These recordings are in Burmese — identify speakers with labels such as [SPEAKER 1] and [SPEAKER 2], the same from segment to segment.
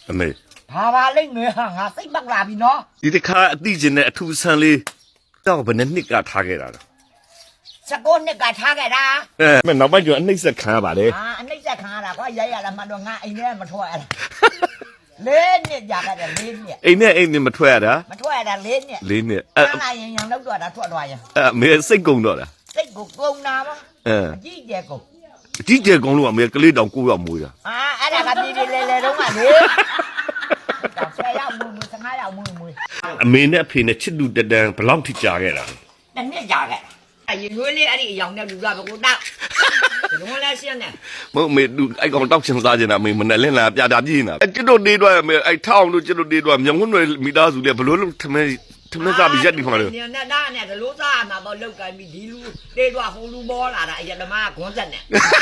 [SPEAKER 1] အမေ
[SPEAKER 2] ဘာပါလိမ့်မယ်ဟာငါစိတ်ပတ်လာပြီနော်
[SPEAKER 1] ဒီတစ်ခါအတိကျနဲ့အထူးဆန်းလေးတော့ဘယ်နှစ်ကထားခဲ့တာလဲ
[SPEAKER 2] 19နှစ်ကထားခဲ့တာ
[SPEAKER 1] မနောက်ပိုင်းကျအနှိမ့်ဆက်ခံရပါလေ
[SPEAKER 2] ဟာအနှိမ့်ဆက်ခံရတာကွာရိုက်ရလာမှတော့ငါအိမ်ထဲမထွက်ရတာလေးနှစ်ကြာခဲ့တယ်လေးနှစ်
[SPEAKER 1] အိမ်နဲ့မထွက်ရတာ
[SPEAKER 2] မထွက်ရတာလေးနှစ်
[SPEAKER 1] ၄နှစ်
[SPEAKER 2] အဲ့ဒါရင်ရံလောက်တော့တာထွက်သွားရင်
[SPEAKER 1] မေစိတ်ကုန်တော့တာ
[SPEAKER 2] စိတ်ကိုကုန်းနာပါအကြည့်ကျဲကုန်
[SPEAKER 1] အကြီးကျယ်ကောင်းလို့အမေကလေးတောင်9ရောက်မွေးတာ
[SPEAKER 2] ဟာအဲ့ဒါကပြည်ပြည်လေတော့ကလေတော့ဆယ်ရောက်မွေ15ရောက်မွေ
[SPEAKER 1] အမေနဲ့အဖေနဲ့ချစ်တူတတန်ဘယ်လောက်ထိကြာခဲ့တာ
[SPEAKER 2] တစ်နှစ်ကြာခဲ့အရင်ရွေးလေးအဲ့ဒီအယောင်နဲ့လူကဘကိုတောက်လုံးလဲရှင်းနေ
[SPEAKER 1] မဟုတ်အမေသူအဲ့ကောင်တောက်ချင်စားချင်တာအမေမနဲ့လင်းလာပြတာပြင်းနေတာကျွတ်တို့နေတော့အမေအဲ့ထောင်းတို့ကျွတ်တို့နေတော့မြောင်ဝန်းတွေမိသားစုလေဘလို့ထမဲစားပြီးရက်နေမှာလို့
[SPEAKER 2] ညနေသားနဲ့ဒလို့စားမှာပေါ့လောက်ကင်ပြီးဒီလူတေးတော့ဟိုလူပေါ်လာတာအရင်ဓမ္မကခွန်းဆက်နေ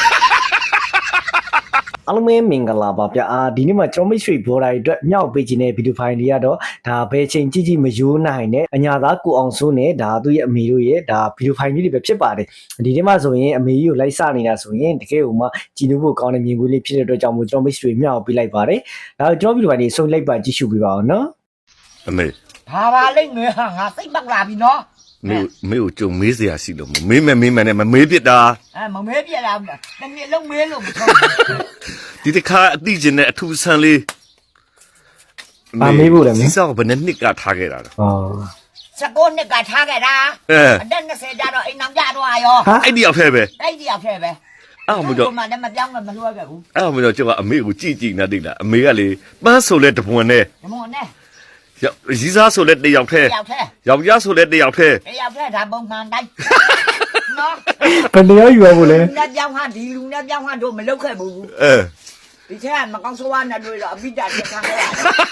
[SPEAKER 3] အားလုံးပဲမင်္ဂလာပါဗျာဒီနေ့မှာကျွန်တော်မိတ်ဆွေဘော်ဒါအတွက်မြောက်ပေးခြင်းတဲ့ဗီဒီယိုဖိုင်တွေကတော့ဒါဘယ်ချိန်ကြည့်မယိုးနိုင်နဲ့အညာသားကိုအောင်စိုးနဲ့ဒါသူ့ရဲ့အမေတို့ရဲ့ဒါဗီဒီယိုဖိုင်ကြီးတွေပဲဖြစ်ပါတယ်ဒီနေ့မှာဆိုရင်အမေကြီးကိုလိုက်စနေတာဆိုရင်တကယ်ကိုမှကြည်နူးဖို့ကောင်းတဲ့မြင်ကွင်းလေးဖြစ်တဲ့အတွက်ကြောင့်မို့ကျွန်တော်မိတ်ဆွေမြောက်ပေးလိုက်ပါတယ်ဒါကျွန်တော်ဗီဒီယိုဖိုင်တွေဆုံးလိုက်ပါကြည့်ရှုပေးပါအောင်နော်
[SPEAKER 1] အမေ
[SPEAKER 2] ဘာပါလိမ့်မယ်ဟာငါစိတ်ပတ်လာပြီနော်
[SPEAKER 1] မေကိုကြုံမေးစရာရှိလို့မေးမယ်နဲ့မမေးပြစ်တာ
[SPEAKER 2] မမဲပြလာဘူးတနည်းလုံးမဲလို့မထုတ်
[SPEAKER 1] ဒီတစ်ခါအတိကျနဲ့အထူးဆန်းလေး
[SPEAKER 3] ပါမေးဖို့လည်းမ
[SPEAKER 1] စီ
[SPEAKER 3] င်း
[SPEAKER 1] စောဘယ်နှစ်ကထားခဲ့တာလဲ
[SPEAKER 3] ဟော
[SPEAKER 2] 19နှစ်ကထားခဲ့တာအသက်20ကျတော့အိမ်အောင်ကြတော့ရော
[SPEAKER 1] အဲ့ဒီရောက်ထဲပဲ
[SPEAKER 2] အဲ့ဒီရောက်ခဲ့ပဲ
[SPEAKER 1] အဲ့မကြော
[SPEAKER 2] မှလည်းမပြောင်းလည်းမလွှဲခဲ့ဘူး
[SPEAKER 1] အဲ့မကြောကျွန်တော်အမေကိုကြည့်နေတိတ်လားအမေကလေပန်းဆိုလဲတပွန်နဲ့
[SPEAKER 2] ဒီမောနဲ့
[SPEAKER 1] ရီးစားဆိုလဲတယောက်ထဲ
[SPEAKER 2] ရောက်ခဲ့
[SPEAKER 1] ယောက်ျားဆိုလဲတယောက်ထဲ
[SPEAKER 2] ရောက်ခဲ့ဒါပုံမှန်တိုင်းနော်
[SPEAKER 3] ဘယ်တရားယူရဖို့လဲ
[SPEAKER 2] လက်ပြောင်းဟာဒီလူနဲ့ပြောင်းဟာတို့မလုပ်ခဲ့ဘူး ဒီထဲကမကောင်းဆိုးဝါးနဲ့တွေ့တော့အပိတ္တတက်ခံခဲ့ရတယ်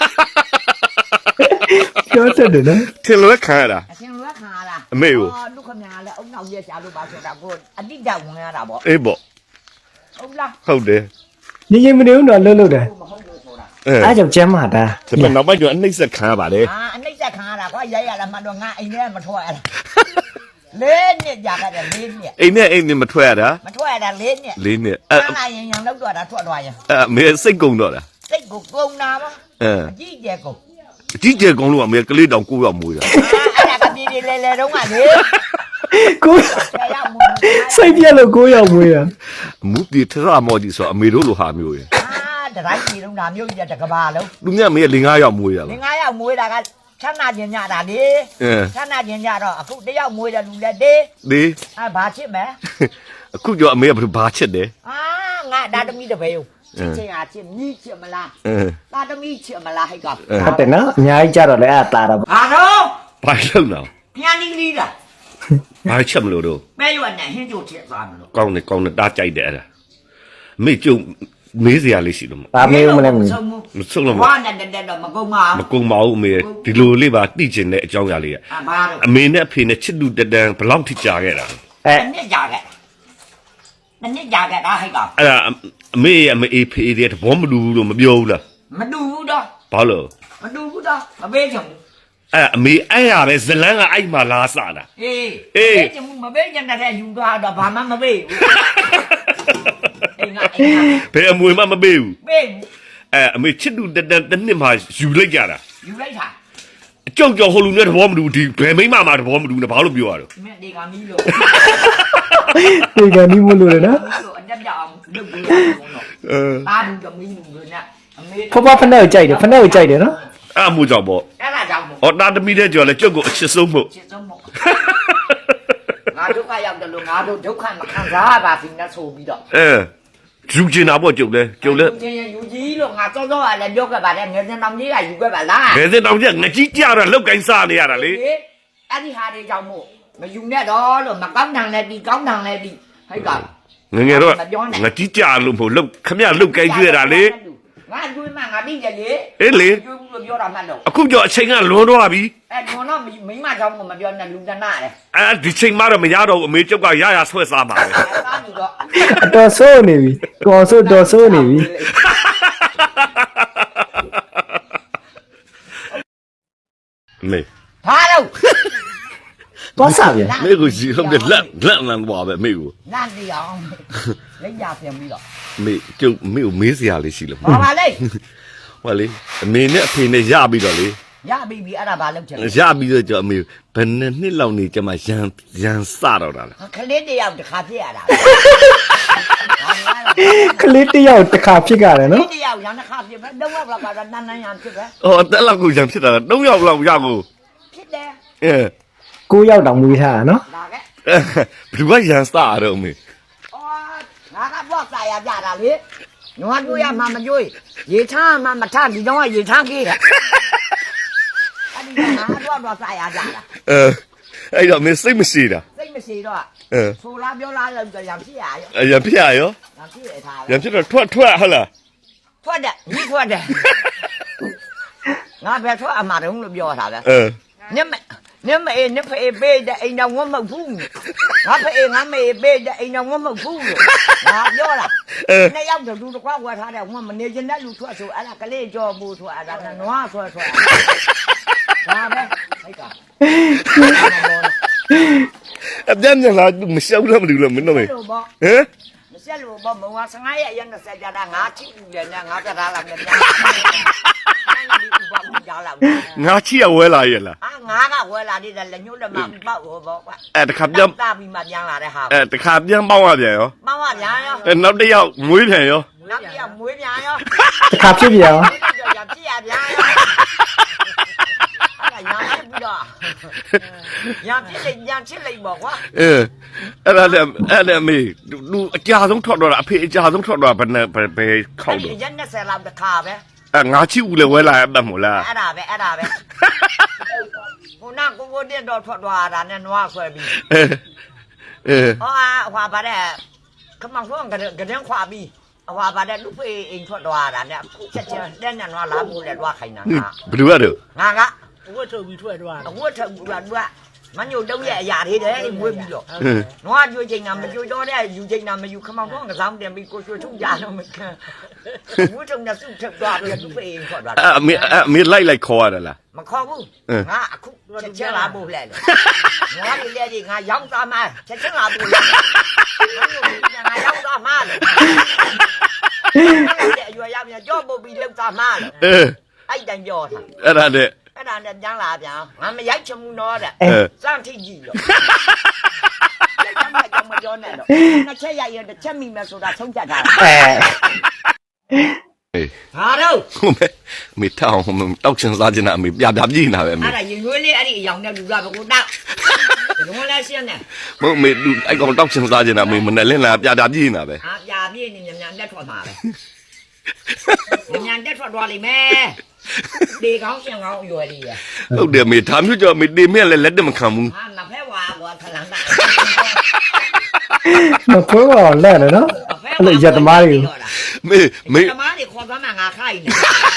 [SPEAKER 3] ပြောတတ်တယ်နော်
[SPEAKER 1] ထင်လွဲခံရတာ
[SPEAKER 2] အရှင်လွက်ခံရတာ
[SPEAKER 1] အမေကို
[SPEAKER 2] ဒုက္ခများလဲအုံနောက်ရက်ရှာလို့ပါဆိုတာကိုအတိတ်ဝင်ရတာပေါ့
[SPEAKER 1] အေးပေါ့
[SPEAKER 2] ဟုတ်လား
[SPEAKER 1] ဟုတ်တယ်
[SPEAKER 3] ညင်မနေဘူးတော့လှုပ်တယ်
[SPEAKER 2] မဟုတ်လို့ဆိုတာ
[SPEAKER 3] အားကြောင့်ကျမ်းမာတာ
[SPEAKER 1] ဒါပေမဲ့နောက်ပိုင်းကျအနှိမ့်ဆက်ခံရပါလေ
[SPEAKER 2] အနှိမ့်ဆက်ခံရတာကွာရိုက်ရလာမှတော့ငါအိမ်ထဲမထွက်ရတာလေးနှစ်ကြာခဲ့တယ်လေးနှစ်
[SPEAKER 1] အိမ်နဲ့မထွက်ရတာ
[SPEAKER 2] မထွက်ရတာလေးနှစ်
[SPEAKER 1] ၄နှစ်
[SPEAKER 2] အဲ့ဒါရင်ရံလောက်တော့တာထွက်သွားရင်
[SPEAKER 1] အမေစိတ်ကုန်တော့တာ
[SPEAKER 2] စိတ်ကိုကုန်းနာပါအကြည့်ကျဲကုန်
[SPEAKER 1] အကြီးကျယ်ကောင်းလို့အမေကလေးတောင်9ရောက်မွေးတာ
[SPEAKER 2] အဲ့ဒါကပြည်ပြည်လေတော့ကလေ
[SPEAKER 3] ကို
[SPEAKER 2] ဆယ်ရောက်မ
[SPEAKER 3] စိတ်ပြက်လို့ကိုရောက်မွေးတာ
[SPEAKER 1] မူတီထရမော်ဒီဆိုအမေတို့လိုဟာမျိုးရယ်
[SPEAKER 2] တတိုင်းပြည်လုံးဒါမျိုးကြီးတကဘာလုံး
[SPEAKER 1] လူမြတ်မေ၄၅ရောက်မွေးရ
[SPEAKER 2] င
[SPEAKER 1] လား
[SPEAKER 2] ငါးယောက်မွေးတာကချမ်းသာခြင်းညတာလေ
[SPEAKER 1] အဲ
[SPEAKER 2] ချမ်းသာခြင်းညတော့အခုတယောက်မွေးတယ်လူလည်းတေး
[SPEAKER 1] ဒီ
[SPEAKER 2] ဘာချစ်မယ်
[SPEAKER 1] အခုကျော်အမေကဘာချက်တယ်
[SPEAKER 2] ငါဒါသမီးတပည့်ကိုချစ်ချင်းအားချစ်မြည်ချစ်မလား
[SPEAKER 1] အဲ
[SPEAKER 2] ဒါသမီးချစ်မလားဟဲ့ကောင်
[SPEAKER 3] ဟုတ်တယ်နော်အများကြီးကြတော့လည်းအတားတော့
[SPEAKER 2] ဘာတော့
[SPEAKER 1] ဘာလုံတော့
[SPEAKER 2] ပြန်လီလီလား
[SPEAKER 1] ဘာချက်မလို့တော့
[SPEAKER 2] မဲရွက်နဲ့ဟင်းချိုချစ်သွားမလို့
[SPEAKER 1] ကောင်းတယ်တားကြိုက်တယ်အဲ့ဒါအမေကျုံမေးစရာလေးရှိလို့မ
[SPEAKER 3] ဒါမေးဦးမလဲမ
[SPEAKER 1] မဆုံးလို့
[SPEAKER 2] ဘာနဲ့တက်တော့မကုန်ပါ
[SPEAKER 1] မကုံပါဘူးအမေဒီလိုလေးပါတိကျင်တဲ့အကြောင်းအရာလေးက
[SPEAKER 2] ဘာတော့
[SPEAKER 1] အမေနဲ့အဖေနဲ့ချစ်တူတတန်ဘယ်လောက်ထိကြာခဲ့တာ
[SPEAKER 3] အဲ
[SPEAKER 2] တစ်နှစ်ကြာခဲ့တစ်နှစ်ကြာခဲ့တာဟဲ့ကောင်
[SPEAKER 1] အဲ့ဒါအမေရဲ့အမေဖေးတဲ့သဘောမတူဘူးလို့မပြောဘူးလား
[SPEAKER 2] မတူဘူးတော့
[SPEAKER 1] ဘာလို့
[SPEAKER 2] မတူဘူးတော့မပေးချင်ဘူး
[SPEAKER 1] အဲ့အမေအဲ့ရပဲဇလန်းကအဲ့မှာလာစတာ
[SPEAKER 2] အေးပေးချင်ဘူးမပေးချင်တဲ့ယူသွားတော့ဘာမှမပေးဘူးအိမ်က
[SPEAKER 1] ဘယ်အမွေမှမပေးဘူး
[SPEAKER 2] ပေး
[SPEAKER 1] အဲ့အမေချစ်တူတတန်တစ်နှစ်မှယူလိုက်ကြတာ
[SPEAKER 2] ယူလိုက်တာ
[SPEAKER 1] အကြောက်ကြောက်ဟိုလူနဲ့သဘောမတူဘူးဒီဘယ်မိမမှာသဘောမတူနဲ့ဘာလို့ပြောရတော့
[SPEAKER 2] မင်းဒီကမီးလို့
[SPEAKER 3] ဒီကနေ့မလို့လေနော်
[SPEAKER 2] လို့အတက်ပြအောင်လုပ်ပေးရတယ်ဘုံတော့ တာဘူးကမီးဘူးလို့နဲ့အမေ
[SPEAKER 3] ဖဖဖနဲ့ကိုကြိုက်တယ်ဖနဲ့ကိုကြိုက်တယ်နော်
[SPEAKER 1] အဲ့အမှုကြောင့်ပေါ့
[SPEAKER 2] အဲ့ဒါကြောင့်မို့
[SPEAKER 1] ဟောတာသမီးတဲ့ကြော်လဲကြုတ်ကိုအချစ်ဆုံးမို့
[SPEAKER 2] ချစ်ဆုံးမို့ငါဒုက္ခရောက်တယ်လို့ငါတို့ဒုက္ခမခံစားပါဘူးနဲ့ဆိုပြီးတော့
[SPEAKER 1] ယူကျင်တာပေါ့ကြုတ်လဲ
[SPEAKER 2] ချင်းယူကြီးလို့ငါစောစောကလည်းပြောခဲ့ပါတယ်ငယ်စဉ်တောင်ကြီးကယူခဲ့ပါလား
[SPEAKER 1] ဘယ်စင်တောင်ကျငကြီးကြတော့လောက်ကင်စားနေရတာလေ
[SPEAKER 2] အဲ့ဒီဟာတွေကြောင့်မို့မယူနဲ့တော့လို့မကောင်းတန်လည်းဒီကောင်းတန်လည်းဒီဟဲ့ကောင်
[SPEAKER 1] ငယ်တော့ငကြီးကြလို့မဟုတ်လောက်ခမရလောက်ကင်ကျွေးတာလေ
[SPEAKER 2] ငါတွေးမှငါသိတယ်လေ
[SPEAKER 1] အေးလေ
[SPEAKER 2] ကျွေးဘူးလို့ပြောတာမှတ်တော့
[SPEAKER 1] အခုကြောအချိန်ကလွန်သွားပြီ
[SPEAKER 2] အဲ့ကျွန်တော်မိမကြောင့်မပြောနဲ့လူတနာတယ်
[SPEAKER 1] ဒီချိန်မှတော့မရတော့ဘူးအမေကျုပ်ကရဆွဲစားပါပဲ
[SPEAKER 2] အဲ့ဒါမျိုးတော့
[SPEAKER 3] အတော်ဆိုးနေပြီကော်ဆိုးတော်ဆိုးနေပြီ
[SPEAKER 1] မေ
[SPEAKER 2] ဘာလို့
[SPEAKER 3] သွားစားပြန်
[SPEAKER 1] မေကိုစီဟုတ်တယ်လက်လန်သွားပဲမေကို
[SPEAKER 2] လန့်နေအောင်လက်ရပြန်ပြီးတော့
[SPEAKER 1] မေကျုပ်မေကိုမေးစရာလေးရှိလို့
[SPEAKER 2] ဘာပါလဲ
[SPEAKER 1] ဟောလေအမေနဲ့အဖေနဲ့ရပြီးတော့လေ
[SPEAKER 2] ရပြီပြီအဲ့ဒါဘာလုပ်ချင်လဲ
[SPEAKER 1] ရပြီးတော့ကျွန်တော်အမေဘယ်နှစ်လောက်နေကျမရန်စတော့တာလဲ
[SPEAKER 2] ခလေးတယောက်တစ်ခါဖြစ်ရတာ
[SPEAKER 3] ကလေးတစ်ယောက်တစ်ခါဖြစ်ကြတယ်
[SPEAKER 2] ခ
[SPEAKER 3] နော်
[SPEAKER 2] လေးတယောက်ရန်တစ်ခါဖြစ်ပဲတော့လောက်ကတော့နန်းရန်ဖြစ်ပဲ
[SPEAKER 1] ဟောအသက်လောက်ကိုရန်ဖြစ်တာ3ယောက်လောက်ရကို
[SPEAKER 2] ဖြစ်တယ်
[SPEAKER 1] အဲ
[SPEAKER 3] 9ယောက်တောင်မွေးထားတာနော်
[SPEAKER 2] ဒါကဲ
[SPEAKER 1] ဘယ်သူကရန်စတာတော့အမေ
[SPEAKER 2] အော်ငါကတော့စာရပြတာလေနွားကျွေးရမှမကျွေးရေချမ်းမှမထဒီတော့ရေချမ်းကြီးတယ်အဲ့ဒီငါကတော့စာရပြတာ
[SPEAKER 1] အဲ့တော့မင်းစိတ်မရှိတာ
[SPEAKER 2] စိတ်မရှိတော့
[SPEAKER 1] အဲ
[SPEAKER 2] ဆိုလားပြောလားလို့ရံဖြစ်ရရော
[SPEAKER 1] ရန်ဖြစ်ရရော
[SPEAKER 2] ရံဖြစ်ရထား
[SPEAKER 1] ရန်ဖြစ်တော့ထွက်ဟုတ်လား
[SPEAKER 2] ထွက်တယ်ညီထွက်တယ်ငါပဲထွက်အမှားတုံးလို့ပြောတာပဲ နမအေနဖေးပေးတဲ့အိမ်တော်ဝမဟုတ်ဘူးငါဖေးငါမေးပေးတဲ့အိမ်တော်ဝမဟုတ်ဘူးလို့ငါပြောတာနှစ်ယောက်တူတစ်ခွက်ဝယ်ထားတဲ့ဝမနေကျင်တဲ့လူထွက်ဆိုအဲ့ဒါကလေးကြော်ဘူးဆိုအဲ့ဒါနွားဆွဲဒါပဲဟိတ်က
[SPEAKER 1] အပြန်ပြန်လာမရှောက်လို့မလို့မင်းတို့မေဟမ်
[SPEAKER 2] မဆက်လို့ဘောမုံက15ရက်ရက်20ကြတာငါချစ်ဘူးလေငါပြထားလာမယ်ပြန်
[SPEAKER 1] ငါချီရဝဲလာရဲ့လား
[SPEAKER 2] ငါကဝယ်လာတဲ့လက်ညှိုးလက်မပေါက်ဟောပေါ့ကွာ
[SPEAKER 1] တခါပြန်
[SPEAKER 2] တာပြီးမှပြန်လာတဲ့ဟာ
[SPEAKER 1] တခါပြန်ပေါင်းရပြန်ရော
[SPEAKER 2] ပေါင်းရပြန်ရော
[SPEAKER 1] နောက်တစ်ယောက်မွေးပြန်ရော
[SPEAKER 2] နောက်ပြမွေးပြန်ရော
[SPEAKER 3] တစ်ခါဖြစ်ပြန်ရော
[SPEAKER 2] ရပြရပြန်ရောအဲ့ဒါရပြီးတော့ရချစ်လိုက်ပေါ့ကွာ
[SPEAKER 1] အဲ့ဒါမေလူအကြာဆုံးထွက်တော့တာအဖေအကြာဆုံးထွက်တော့ဘယ်ခောက်တော့
[SPEAKER 2] ရက်20လောက်တစ်ခါပဲ
[SPEAKER 1] ငါချီဦးလေဝဲလာရတတ်မို့လား
[SPEAKER 2] အဲ့ဒါပဲဟိုနာကိုတက်တော့ထွက်သွားတာနဲ့နွားဆွဲပြီးဟွာပါတဲ့ခမောင်ဆုံးကတဲ့ခွာပြီးဟွာပါတဲ့လူဖေးအိမ်ထွက်သွားတာနဲ့ချက်တဲ့နဲ့နွားလာဖို့လဲသွားခိုင်းတာ
[SPEAKER 1] ဘယ်သူကတော့
[SPEAKER 2] ငါက
[SPEAKER 4] ဝတ်ထုတ်ပြီးထွက်သွား
[SPEAKER 2] အဝတ်ထုတ်ဘူးလားသူကမညို့တုံးရဲ့အရာတွေတဲ့မွေးပြီးတော့နွားကြွေးချိန်တာမကြွေးတော့တဲ့ယူချိန်တာမယူခမောင်ဆုံးကစားတင်ပြီးကိုရွှေထုတ်ကြတော့မခံဝတ်ထုတ်နဲ့စုထပ်သွားပြီးလူဖေးအိမ်ထွက်သွား
[SPEAKER 1] အမေလိုက်ခေါ်ရတာလား
[SPEAKER 2] မခေါ်ဘူးငါအခုချက်လာဖို့လဲငါဒီလေဒီငါရောက်သားမချက်လာဖို့လဲငါရောက်သားမလို့အဲ့ရွာရပြန်ကြောပုတ်ပြီးလောက်သားမလို့အဲ့တိုင်ပြောတာ
[SPEAKER 1] အဲ့ဒါနဲ့
[SPEAKER 2] အဲ့ဒါနဲ့ပြန်လာပြန်ငါမရိုက်ချင်ဘူးတော့တဲ့စမ်းထိကြည့်လို့မပြောနဲ့တော့နှစ်ချက်ရိုက်ရတစ်ချက်မိမယ်ဆိုတာဆုံးဖြတ်ထားတာဟာတော့
[SPEAKER 1] မေထောင်းတောက်ချင်စားချင်တာအမေပြပြည့်နေတာပဲအမေ
[SPEAKER 2] အဲ့ဒါရင်ရွေးလေးအဲ့ဒီအယောင်နဲ့လူကဘကိုတောက်လုံးလဲရှင်းတယ်
[SPEAKER 1] မဟုတ်မေအဲ့ကောင်တောက်ချင်စားချင်တာအမေမနဲ့လင်းလာပြပြည့်နေတာပဲ
[SPEAKER 2] ဟာပြပြည့်နေမြန်လက်ထွက်မှာပဲမြန်တက်ထွက်သွားလိမ့်မယ်ဒီကောင်းရှင်ကောင်းရွယ်လေးရ
[SPEAKER 1] ဟုတ်တယ်မေဒါမျိုးကြောင့်မေတင်မြက်လည်းလက်တမခံဘူး
[SPEAKER 2] ဟာနဖဲဝါဘောခလန်တာ
[SPEAKER 3] မခွဲပါလက်နော်အဲ့လိုရက်သမားတွေ
[SPEAKER 1] မေ
[SPEAKER 2] သမားတွေခေါ်သွားမှငါခိုင်းနေ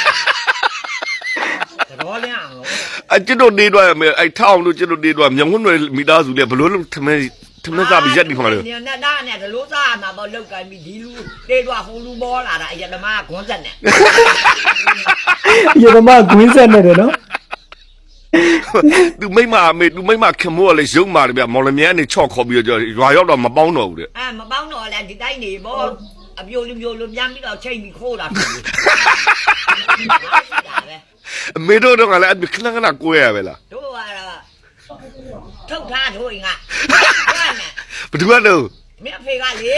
[SPEAKER 2] တော်လျအောင်လို့
[SPEAKER 1] အကျွတ်တို့နေတော့မေအဲ့ထောင်းတို့ကျွတ်တို့နေတော့မြောင်ဝန်းတွေမိသားစုလည်းဘလို့ထမင်းစားပြီးရက်နေခါလို့
[SPEAKER 2] နေနဲ့ဒါနဲ့ဒလို့စားမှာပေါ့လောက်ကင်ပြီးဒီလူတေးတော့ဟိုလူပေါ်လာတာအရင်ဓမ္မခွန်းဆက်နဲ့
[SPEAKER 3] ရက်သမားကွင်းဆက်နေတယ်နော်
[SPEAKER 1] သူမိမမေသူမိမခင်မိုးကလည်းရုံမာတယ်ဗျမော်လမြိုင်နေချော့ခေါ်ပြီးတော့ရွာရောက်တော့မပေါင်းတော့ဘူးတဲ့
[SPEAKER 2] မပေါင်းတော့လဲဒီတိုင်းနေပေါ့အပြိုလူမျိုးလူပြန်ပြီးတော့ချိန်ပြီးခိုးတာဖြစ်တယ်
[SPEAKER 1] အမေတို့တော့ကလည်းခဏခဏကိုရရပဲလား
[SPEAKER 2] တို့ကတော့ထုတ်ထားတို့ငါဘာနဲ့
[SPEAKER 1] ဘယ်သူကတော့
[SPEAKER 2] မင်းအဖေကလေ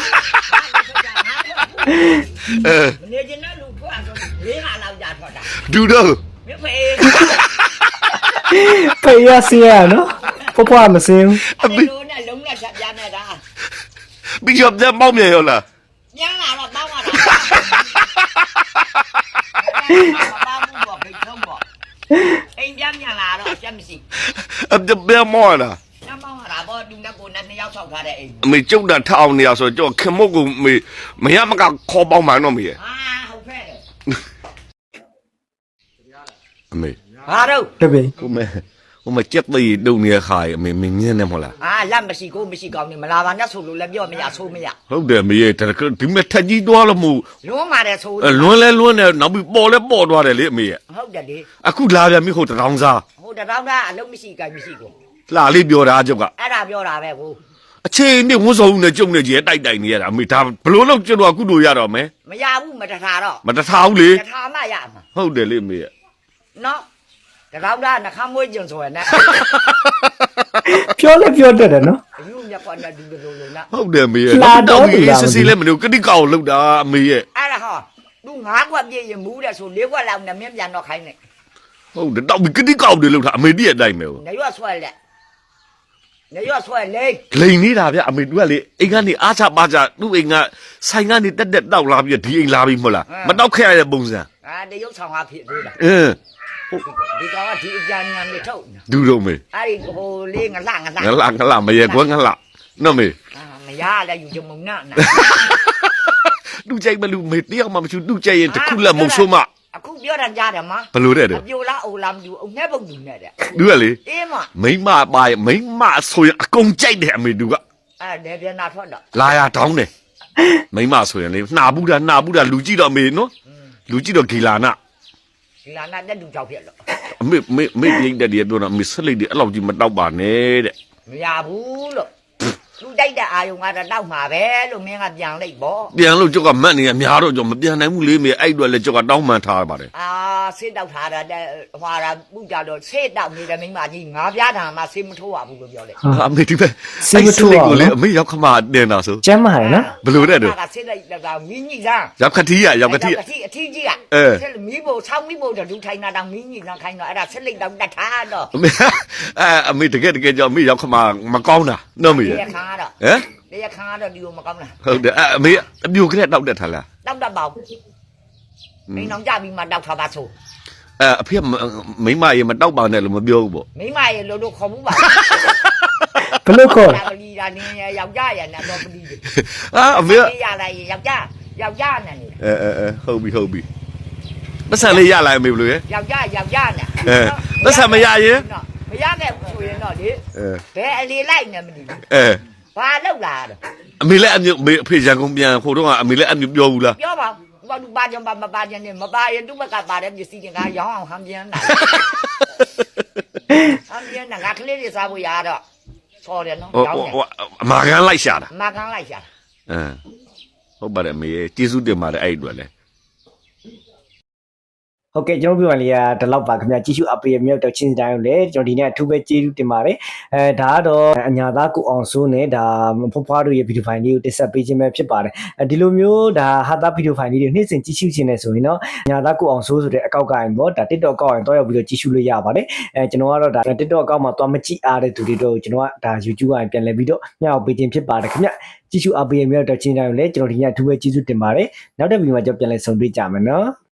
[SPEAKER 2] မနေကျင်တဲ့လူထွက်ဆိုလေးဟာလောက်ကြာထွက်တာ
[SPEAKER 1] ဒူတော့
[SPEAKER 2] မင်းဖေ
[SPEAKER 3] ဖေးရစီရနော်ဖွားမစင်း
[SPEAKER 2] အမေတို့နဲ့လုံးလက်ချက်ပြနေတာ
[SPEAKER 1] ပြီးတော့ပြန်ပေါင်းမြန်ရောလား
[SPEAKER 2] ပြန်လာတော့တောင်းရတာဘာမှမပေါ့ဖိတ်ဆုံးပေါ့အိမ်ပြန်လာတော့အချက်မရှိ
[SPEAKER 1] ပြန်မောလား
[SPEAKER 2] ညမောင်းတာပေါ့သူနဲ့ကိုနဲ့နှစ်ယောက်ဆောက်ထားတဲ့အိမ်
[SPEAKER 1] အမေကျုပ်တာထအောင်နေရဆိုတော့ခင်မုတ်ကိုမေမရမကခေါ်ပေါင်းမှတော့မေ
[SPEAKER 2] ဟာဟုတ်ဖဲ့တယ်
[SPEAKER 1] အမေ
[SPEAKER 2] ဟာတော့
[SPEAKER 3] တပည့်
[SPEAKER 1] ဟိုမကြက်သေးတုံနေခါရအမေမင်းနေမလား
[SPEAKER 2] ဟာလက်မရှိကိုမရှိကောင်းနေမလာပါနဲ့ဆိုလို့လည်းပြောမရဆိုးမရ
[SPEAKER 1] ဟုတ်တယ်မေရဲ့ဒီမဲ့ထက်ကြီးသွားလို့မို့
[SPEAKER 2] လွန်းပါတယ်ဆိုး
[SPEAKER 1] လွန်းလဲလွန်းတယ်နောက်ပြီးပေါ်လဲပေါ်သွားတယ်လေအမေရဲ့
[SPEAKER 2] ဟုတ်တယ်လေ
[SPEAKER 1] အခုလာပြန်ပြီဟိုတထောင်စား
[SPEAKER 2] ဟိုတထောင်သားအလုံးမရှိကိုင်မရှိကို
[SPEAKER 1] လှလေးပြောတာအကျုပ်က
[SPEAKER 2] အဲ့ဒါပြောတာပဲကို
[SPEAKER 1] အခြေအနေဝန်းဆောင်နဲ့ကြုံနေကြီးတိုက်နေရတာအမေဒါဘလို့လို့ကျွန်တော်ကုလို့ရတော့မယ်
[SPEAKER 2] မရဘူးမတထားတော့
[SPEAKER 1] မတထားဘူးလေ
[SPEAKER 2] တထားမှရမှာ
[SPEAKER 1] ဟုတ်တယ်လေအမေရဲ့
[SPEAKER 2] နော်တကောက်တာနှခမ်းမွေးကျင်ဆိုရနဲ့
[SPEAKER 3] ပြောလဲပြောတတ်တယ်နော်
[SPEAKER 2] အယူမြက်ကွာနဲ့ဒီလိုလိုနော်
[SPEAKER 1] ဟုတ်တယ်အမေရဲ့
[SPEAKER 3] လာတော့
[SPEAKER 1] တော့
[SPEAKER 3] လာ
[SPEAKER 1] စစ်စစ်လည်းမလို့ကတိကောက်လောက်တာအမေရဲ့
[SPEAKER 2] အဲ့ဒါဟောသူ9ခွက်ပြည့်ရင်မူးတယ်ဆို4ခွက်လောက်နဲ့မြင်ပြန်တော့ခိုင်းနေ
[SPEAKER 1] ဟုတ်တယ်တော့ကတိကောက်တယ်လောက်တာအမေတည့်အတိုင်းပဲ
[SPEAKER 2] နေရွဆွဲလက်နေရွဆွဲလေ
[SPEAKER 1] လိန်နေတာဗျအမေတို့ကလေအိမ်ကနေအားချပါချသူ့အိမ်ကဆိုင်ကနေတက်တက်တောက်လာပြီးဒီအိမ်လာပြီးမဟုတ်လားမတောက်ခဲ့ရတဲ့ပုံစံ
[SPEAKER 2] တရုတ်ဆောင်ဟာဖြစ်သေးတာ
[SPEAKER 1] အင်း
[SPEAKER 2] ဒီကောင်ကဒီအကြံဉာဏ်လေးထုတ်
[SPEAKER 1] ဒူတော့မေ
[SPEAKER 2] အဲ့ဒီဟိုလေးငလှ
[SPEAKER 1] ငလာမရေကွန်းငလာနော်မေ
[SPEAKER 2] မရလဲယူကြမုံနာ
[SPEAKER 1] လူကြိုက်မလူမေတယောက်မှမရှိလူကြိုက်ရင်တစ်ခုလက်မုံဆိုးမ
[SPEAKER 2] အခုပြောတာကြားတယ်မ
[SPEAKER 1] ဘလို့တဲ့တော့
[SPEAKER 2] အပြိုလားအိုလားမယူအုံနဲ့ပုံယူနဲ့တဲ့
[SPEAKER 1] သူကလေ
[SPEAKER 2] အေးမ
[SPEAKER 1] မိမပါရမိမဆိုရင်အကုန်ကြိုက်တယ်အမေသူက
[SPEAKER 2] အဲ့ဒါပြန်နာထွက်တော့
[SPEAKER 1] လာရတောင်းတယ်မိမဆိုရင်လေနှာဘူးတာလူကြည့်တော့အမေနော်လူကြည့်တော့ဂီလာနာ
[SPEAKER 2] ဒီလာနာတက်တူကြောက်ဖြစ်လို့
[SPEAKER 1] အမေပြိတ်တဲ့တည်းပြောတော့အမေဆက်လိုက်တယ်အဲ့လောက်ကြီးမတောက်ပါနဲ့တဲ့
[SPEAKER 2] မရဘူးလို့သူတိုက်တဲ့အာယုံကတော့တောက်မှာပဲလို့မင်းကပြန်လိုက်ပေါ့
[SPEAKER 1] ပြန်လို့ကြောက်ကမတ်နေရများတော့ကြောမပြန်နိုင်ဘူးလေမေအဲ့အတွက်လေကြောက်ကတောင်းမှန်ထားပါတယ်
[SPEAKER 2] ဆေးတောက်ထားတာတဲ့ဟွာတာပူကြတော့ဆေးတောက်နေတဲ့မိမကြီးငါးပြားထာမှဆေးမထိုးရဘူးလို့ပြောလိုက်
[SPEAKER 1] အမေဒီပဲကိုလေအမေရောက်ခမတင်တာဆို
[SPEAKER 3] ကျမ်းမာတယ်နော်
[SPEAKER 1] ဘလို့တဲ့တော့
[SPEAKER 2] ကဆေးလိုက်တာမင်းကြီးစား
[SPEAKER 1] ရောက်ခတိရရောက်ခတိ
[SPEAKER 2] အထီးကြီးကဆက်မီးဖို့ဆောင်းမီးဖို့တူထိုင်တာတော့မင်းကြီးစားခိုင်းတော့အဲ့ဒါဆက်လိုက်တော့တတ်ထားတော့
[SPEAKER 1] အမေတကယ်ကြောင့်အမေရောက်ခမမကောင်းတာနော်မေ
[SPEAKER 2] တရားခါတော့
[SPEAKER 1] ဟမ်
[SPEAKER 2] တရားခါတော့ဒီလိုမကောင်းလား
[SPEAKER 1] ဟုတ်တယ်အမေအပြိုကလေးတောက်တက်ထားလား
[SPEAKER 2] တောက်တတ်ပါဘူးမင်းအောင်ကြပြီးမှတောက်ထားပါဆို
[SPEAKER 1] အဖေမိမရေမတောက်ပါနဲ့လို့မပြောဘူးပေါ့
[SPEAKER 2] မိမရေလို့ခေါ်မှုပါ
[SPEAKER 3] ဘလို့ခေါ်
[SPEAKER 2] ပလီတာနင်းယောက်ျားရနဲ့တော့ပလီ
[SPEAKER 1] အမေ
[SPEAKER 2] ရလိုက်ယောက်ျားနဲ့နေ
[SPEAKER 1] ဟုတ်ပြီပတ်စံလေးရလာအမေဘလို့ရေ
[SPEAKER 2] ယောက်ျားနဲ့
[SPEAKER 1] ပတ်စံမရရင်
[SPEAKER 2] မရခဲ့ဘူးဆိုရင်တော့လေဘယ်အလီလိုက်နေမသိဘူး
[SPEAKER 1] အဲ
[SPEAKER 2] ဘာလောက်လာတော့
[SPEAKER 1] အမေလည်းအမျိုးအဖေရန်ကုန်ပြန်ခိုးတော့ကအမေလည်းအမျိုးပြောဘူးလား
[SPEAKER 2] ပြောပါဘာလို့ပါကြမပါကြနဲ့မပါရင်သူ့ဘက်ကပါတဲ့ပစ္စည်းတွေကရောင်းအောင်ဟန်ပြန်လာဟန်ပြန်ငါကလေးတွေစားဖို့ရတော့ဆော်တယ်နော်ရောင်းတယ်
[SPEAKER 1] အမာကန်လိုက်ရှာတာ
[SPEAKER 2] မကန်လိုက်ရှာ
[SPEAKER 1] ဟုတ်ပါတယ်အမေကျေးဇူးတင်ပါတယ်အဲ့အတွက်လည်း
[SPEAKER 3] ဟုတ်ကဲ့ကျွန်တော်ပြောရလေးကဒီလောက်ပါခင်ဗျာကြည့်ရှုအပေးရမြောက်တော့ချင်းစတိုင်းကိုလည်းကျွန်တော်ဒီနေ့အထူးပဲကျေးဇူးတင်ပါတယ်ဒါကတော့အညာသားကိုအောင်စိုးနဲ့ဒါဖွားဖွားတို့ရဲ့ဗီဒီယိုဖိုင်လေးကိုတင်ဆက်ပေးခြင်းပဲဖြစ်ပါတယ်ဒီလိုမျိုးဒါဟာတာဗီဒီယိုဖိုင်လေးတွေနေ့စဉ်ကြည့်ရှုခြင်းနဲ့ဆိုရင်တော့အညာသားကိုအောင်စိုးဆိုတဲ့အကောက်ကရင်ပေါ့ဒါ TikTok အကောက်ရင်တော့ရောက်ပြီးတော့ကြည့်ရှုလို့ရပါတယ်ကျွန်တော်ကတော့ဒါ TikTok အကောက်မှာသွားမကြည့်အားတဲ့သူတွေတော့ကျွန်တော်ကဒါ YouTube ကပြန်လည်ပြီးတော့မျှဝေပေးခြင်းဖြစ်ပါတယ်ခင်ဗျကြည့်ရှုအပေးရမြောက်တော့ချင်းစတိုင်းကိုလည်းကျွန်တော်ဒီနေ့အထူးပဲကျေးဇူးတင်ပါတယ်နောက်တဲ့ဗီဒီယိုမှာကျွန်တော်ပြန်လည်ဆုံတွေ့ကြမယ်နော်